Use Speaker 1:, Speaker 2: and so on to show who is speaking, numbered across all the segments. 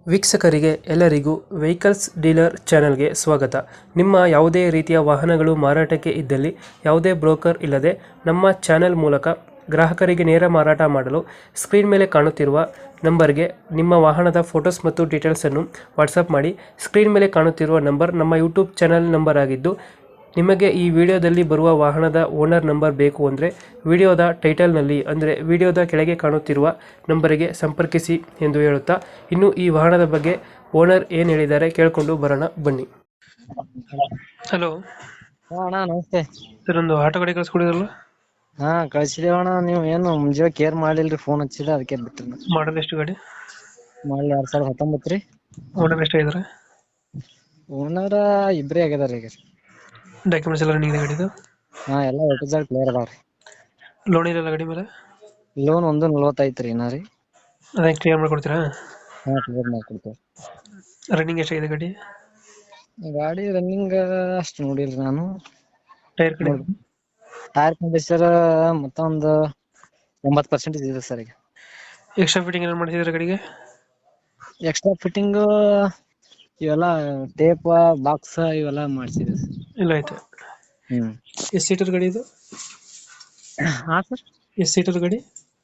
Speaker 1: ವೀಕ್ಷಕರಿಗೆ ಎಲ್ಲರಿಗೂ vehicles dealer ಚಾನೆಲ್ಗೆ ಸ್ವಾಗತ. ನಿಮ್ಮ ಯಾವುದೇ ರೀತಿಯ ವಾಹನಗಳು ಮಾರಾಟಕ್ಕೆ ಇದ್ದಲ್ಲಿ ಯಾವುದೇ ಬ್ರೋಕರ್ ಇಲ್ಲದೆ ನಮ್ಮ ಚಾನೆಲ್ ಮೂಲಕ ಗ್ರಾಹಕರಿಗೆ ನೇರ ಮಾರಾಟ ಮಾಡಲು ಸ್ಕ್ರೀನ್ ಮೇಲೆ ಕಾಣುತ್ತಿರುವ ನಂಬರ್ಗೆ ನಿಮ್ಮ ವಾಹನದ ಫೋಟೋಸ್ ಮತ್ತು ಡೀಟೇಲ್ಸನ್ನು ವಾಟ್ಸಪ್ ಮಾಡಿ. ಸ್ಕ್ರೀನ್ ಮೇಲೆ ಕಾಣುತ್ತಿರುವ ನಂಬರ್ ನಮ್ಮ ಯೂಟ್ಯೂಬ್ ಚಾನೆಲ್ ನಂಬರ್ ಆಗಿದ್ದು, ನಿಮಗೆ ಈ ವಿಡಿಯೋದಲ್ಲಿ ಬರುವ ವಾಹನದ ಓನರ್ ನಂಬರ್ ಬೇಕು ಅಂದರೆ ವಿಡಿಯೋದ ಟೈಟಲ್ನಲ್ಲಿ ಅಂದರೆ ವಿಡಿಯೋದ ಕೆಳಗೆ ಕಾಣುತ್ತಿರುವ ನಂಬರಿಗೆ ಸಂಪರ್ಕಿಸಿ ಎಂದು ಹೇಳುತ್ತಾ, ಇನ್ನು ಈ ವಾಹನದ ಬಗ್ಗೆ ಓನರ್ ಏನು ಹೇಳಿದ್ದಾರೆ ಕೇಳಿಕೊಂಡು ಬರೋಣ ಬನ್ನಿ. ಹಲೋ
Speaker 2: ಅಣ್ಣ ನಮಸ್ತೆ.
Speaker 1: ಸರ್, ಒಂದು ಆಟೋ ಗಾಡಿ ಕಳಿಸ್ಕೊಡಿದ್ರಲ್ಲ,
Speaker 2: ಹಾ ಕಳ್ಸಿದೇವ ಅಣ್ಣ. ನೀವು ಏನು ಮುಂಜಾನೆ ಕೇರ್ ಮಾಡಿಲ್ರಿ, ಫೋನ್ ಹಚ್ಚಿಲ್ಲ, ಅದಕ್ಕೆ ಬಿಟ್ರಿ.
Speaker 1: ಮಾಡಲ್ ಎಷ್ಟು ಗಾಡಿ?
Speaker 2: ಮಾಡಲ್ 2019 ರೀ.
Speaker 1: ಓನರ್ ಎಷ್ಟಾಗಿದ್ದಾರೆ?
Speaker 2: ಓನರ ಇಬ್ರೇ ಆಗ್ಯದಾರ ಈಗ.
Speaker 1: ಡಾಕ್ಯುಮೆಂಟ್ಸ್ ಎಲ್ಲ ರನ್ನಿಂಗ್ ಗಾಡಿದು?
Speaker 2: ಹಾ ಎಲ್ಲ ಎ ಕ್ಲಿಯರ್ ಅದಾವ್ರಿ.
Speaker 1: ಲೋನ್ ಇರಲ್ಲ ಗಾಡಿ ಮೇಲೆ?
Speaker 2: ಲೋನ್ 1.40 ರೀ ಇನ್ನ ರೀ.
Speaker 1: ಅದೇ ಕ್ಲಿಯರ್ ಮಾಡ್ಕೊಡ್ತೀರಾ?
Speaker 2: ಹಾ ಕ್ಲಿಯರ್ ಮಾಡ್ಕೊಡ್ತೇವೆ.
Speaker 1: ರನ್ನಿಂಗ್ ಎಷ್ಟಾಗಿದೆ ಗಾಡಿ?
Speaker 2: ಗಾಡಿ ರನ್ನಿಂಗ್ ಅಷ್ಟು ನೋಡಿಲ್ರಿ ನಾನು.
Speaker 1: ಟೈರ್ ಕಡೆ?
Speaker 2: ಟೈರ್ ಕಂಡೀಷನ್ ಮತ್ತೊಂದು 80% ಇದೆ ಸರ್ ಈಗ.
Speaker 1: ಎಕ್ಸ್ಟ್ರಾ ಫಿಟ್ಟಿಂಗ್ ಏನಾರು ಮಾಡಿಸಿದ್ರೆ ಗಾಡಿಗೆ?
Speaker 2: ಎಕ್ಸ್ಟ್ರಾ ಫಿಟ್ಟಿಂಗ್ ಇವೆಲ್ಲ ಟೇಪ್ ಬಾಕ್ಸ್ ಇವೆಲ್ಲ ಮಾಡ್ಸಿದ್ವಿ.
Speaker 1: ಇಲ್ಲ ಆಯ್ತು. ಎಷ್ಟು ಸೀಟರ್ ಗಾಡಿ ಇದು?
Speaker 2: ಹಾ ಸರ್.
Speaker 1: ಎಷ್ಟು ಸೀಟರ್ ಗಾಡಿ?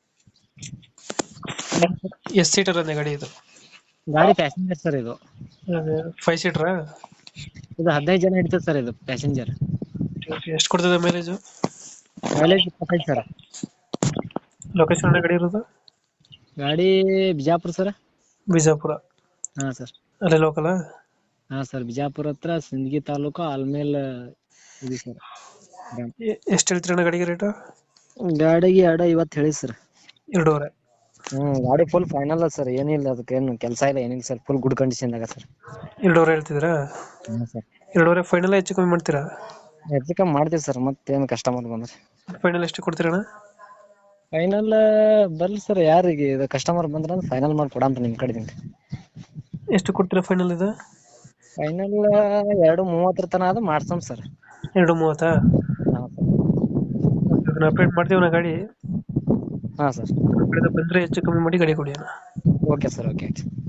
Speaker 1: ಎಷ್ಟು ಸೀಟರ್ ಅಂದೆ ಗಾಡಿ ಇದು?
Speaker 2: ಗಾಡಿ ಪ್ಯಾಸೆಂಜರ್ ಸರ್ ಇದು.
Speaker 1: 5 ಸೀಟರಾ?
Speaker 2: ಇದು 15 ಜನ ಹಿಡಿತದೆ ಸರ್ ಇದು ಪ್ಯಾಸೆಂಜರ್.
Speaker 1: ಎಷ್ಟು ಕೊಡ್ತದೆ ಮೈಲೇಜು?
Speaker 2: Mileage 25 sir.
Speaker 1: ಲೊಕೇಶನ್ ಗಾಡಿ ಇರೋದು?
Speaker 2: ಗಾಡಿ ಬಿಜಾಪುರ ಸರ್.
Speaker 1: ಬಿಜಾಪುರ?
Speaker 2: ಹಾ ಸರ್.
Speaker 1: ಅಲ್ಲೇ ಲೋಕಲ್?
Speaker 2: ಹಾ ಸರ್, ಬಿಜಾಪುರ ಹತ್ರ ಸಿಂದಗಿ ತಾಲೂಕು ಆಲ್ಮೇಲ್ ಇದೆ ಸರ್.
Speaker 1: ಎಷ್ಟು ಹೇಳ್ತೀರಣ್ಣ ಗಾಡಿಗೆ ರೇಟು?
Speaker 2: ಗಾಡಿಗೆ 2.50 ಹೇಳಿ ಸರ್.
Speaker 1: 2.5?
Speaker 2: ಗಾಡಿ ಫುಲ್ ಫೈನಲ್ ಸರ್, ಏನಿಲ್ಲ ಅದಕ್ಕೆ ಏನು ಕೆಲಸ ಇಲ್ಲ ಏನಿಲ್ಲ ಸರ್, ಫುಲ್ ಗುಡ್ ಕಂಡೀಷನ್ ಆಗ ಸರ್.
Speaker 1: 2.5 ಹೇಳ್ತಿದ್ದೀರಾ?
Speaker 2: ಹಾ ಸರ್.
Speaker 1: 2.5 ಫೈನಲ್ ಹೆಚ್ಚು ಕಮ್ಮಿ ಮಾಡ್ತೀರಾ?
Speaker 2: ಹೆಚ್ಚು ಕಮ್ಮಿ ಮಾಡ್ತೀವಿ ಸರ್, ಮತ್ತೇನು ಕಸ್ಟಮರ್ ಬಂದ್ರೆ.
Speaker 1: ಫೈನಲ್ ಎಷ್ಟು ಕೊಡ್ತೀರಣ್ಣ?
Speaker 2: ಫೈನಲ್ ಬರ್ಲಿ ಸರ್, ಯಾರಿಗೆ ಇದು ಕಸ್ಟಮರ್ ಬಂದ್ರೆ ಫೈನಲ್ ಮಾಡಿ ಕೊಡಂತ ನಿಮ್ಮ ಕಡೆದಿಂದ.
Speaker 1: ಎಷ್ಟು ಕೊಡ್ತೀರಾ ಫೈನಲ್ ಇದು?
Speaker 2: ಫೈನಲ್ 2.30 ತನ ಅದು ಮಾಡ್ಸಮ್ ಸರ್.
Speaker 1: 2.30?
Speaker 2: ಹಾ ಸರ್.
Speaker 1: ಅಪ್ಡೇಟ್ ಮಾಡ್ತೀವಿ ನಾ ಗಾಡಿ.
Speaker 2: ಹಾ ಸರ್.
Speaker 1: ಬಂದರೆ ಹೆಚ್ಚು ಕಮ್ಮಿ ಮಾಡಿ ಗಾಡಿ ಕೊಡಿ ಅಣ್ಣ.
Speaker 2: Okay sir, okay.